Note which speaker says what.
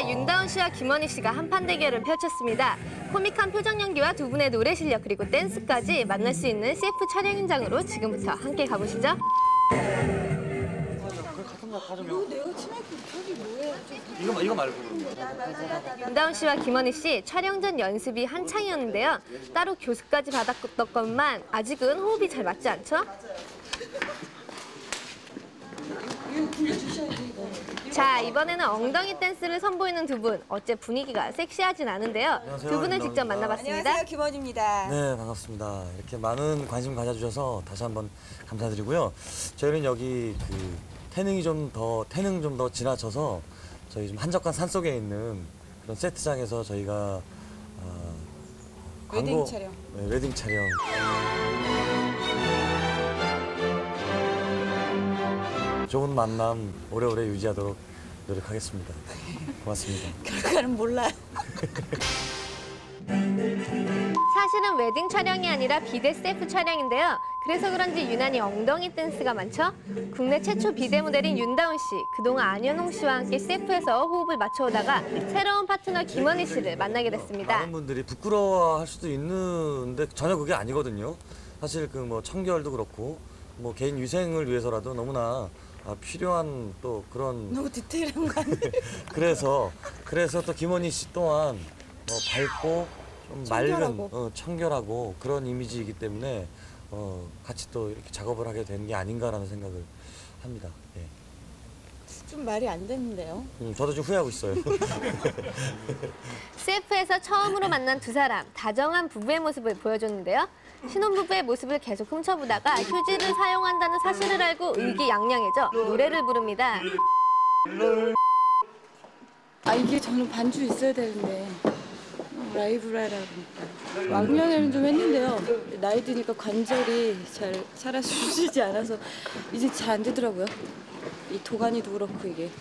Speaker 1: 자, 윤다운 씨와 김원희 씨가 한판 대결을 펼쳤습니다. 코믹한 표정 연기와 두 분의 노래 실력 그리고 댄스까지 만날 수 있는 CF 촬영 현장으로 지금부터 함께 가보시죠.
Speaker 2: 이거 말고.
Speaker 1: 윤다운 씨와 김원희 씨 촬영 전 연습이 한창이었는데요. 따로 교습까지 받았건만 아직은 호흡이 잘 맞지 않죠? 자, 이번에는 엉덩이 댄스를 선보이는 두 분. 어째 분위기가 섹시하진 않은데요.
Speaker 3: 안녕하세요,
Speaker 1: 두 분을
Speaker 3: 윤다운입니다.
Speaker 1: 직접 만나봤습니다.
Speaker 4: 안녕하세요, 김원희입니다.
Speaker 3: 네, 반갑습니다. 이렇게 많은 관심 가져주셔서 다시 한번 감사드리고요. 저희는 여기 태능 좀 더 지나쳐서 저희 좀 한적한 산속에 있는 그런 세트장에서 저희가
Speaker 4: 웨딩 촬영.
Speaker 3: 네, 웨딩 촬영. 좋은 만남 오래오래 유지하도록 노력하겠습니다. 고맙습니다.
Speaker 4: 결과는 몰라요.
Speaker 1: 사실은 웨딩 촬영이 아니라 비대 CF 촬영인데요. 그래서 그런지 유난히 엉덩이 댄스가 많죠? 국내 최초 비대 모델인 윤다운 씨. 그동안 안현홍 씨와 함께 CF에서 호흡을 맞춰오다가 새로운 파트너 김원희 씨를 만나게 됐습니다.
Speaker 3: 많은 분들이 부끄러워할 수도 있는데 전혀 그게 아니거든요. 사실 뭐 청결도 그렇고 뭐 개인 위생을 위해서라도 너무나 필요한 또 그런
Speaker 4: 너무 디테일한 거 아니에요?
Speaker 3: 그래서 또 김원희 씨 또한 밝고 좀 맑은 청결하고 그런 이미지이기 때문에 같이 또 이렇게 작업을 하게 되는 게 아닌가라는 생각을 합니다. 예.
Speaker 4: 좀 말이 안 되는데요.
Speaker 3: 저도 좀 후회하고 있어요.
Speaker 1: CF에서 처음으로 만난 두 사람, 다정한 부부의 모습을 보여줬는데요. 신혼부부의 모습을 계속 훔쳐보다가 휴지를 사용한다는 사실을 알고 의기양양해져 노래를 부릅니다.
Speaker 5: 이게 저는 반주 있어야 되는데 라이브라 하니까 왕년에는 좀 했는데요. 나이 드니까 관절이 잘 살아주시지 않아서 이제 잘 안 되더라고요. 이 도가니도 그렇고 이게